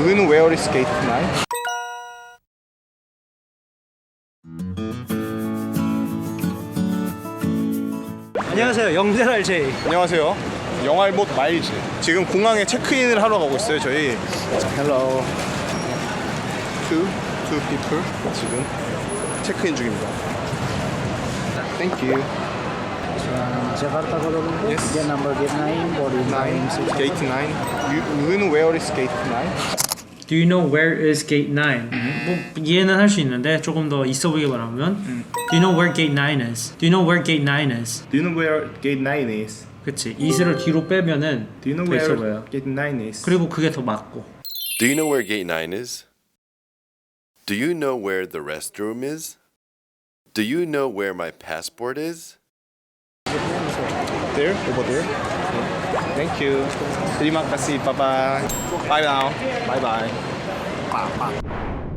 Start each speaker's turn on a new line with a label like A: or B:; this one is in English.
A: Do you know where is gate 9?
B: 안녕하세요. 영재랄 제이.
A: 안녕하세요. 영알못 마일즈. 지금 공항에 체크인을 하러 가고 있어요. 저희. Hello. Two people. 지금 체크인 중입니다. Thank you.
C: Jakarta Colombo,
A: Yes.
C: gate number gate 9, boarding time 6.
A: Gate 9. You know where is gate 9?
B: Do you know where is gate 9? 뭐 이해는 할 수 있는데 조금 더 있어 보이게 말하면 Do you know where gate 9 is? Do you know where gate 9 is?
A: Do you know where gate 9 is?
B: 그치. 이슬을 뒤로 빼면은
A: Do you know
B: 더 있어
A: where
B: 보여요.
A: gate 9 is?
B: 그리고 그게 더 맞고.
D: Do you know where gate 9 is? Do you know where the restroom is? Do you know where my passport is?
A: There? Over there? Thank you. Terima kasih. Bye bye. Bye now. Bye bye.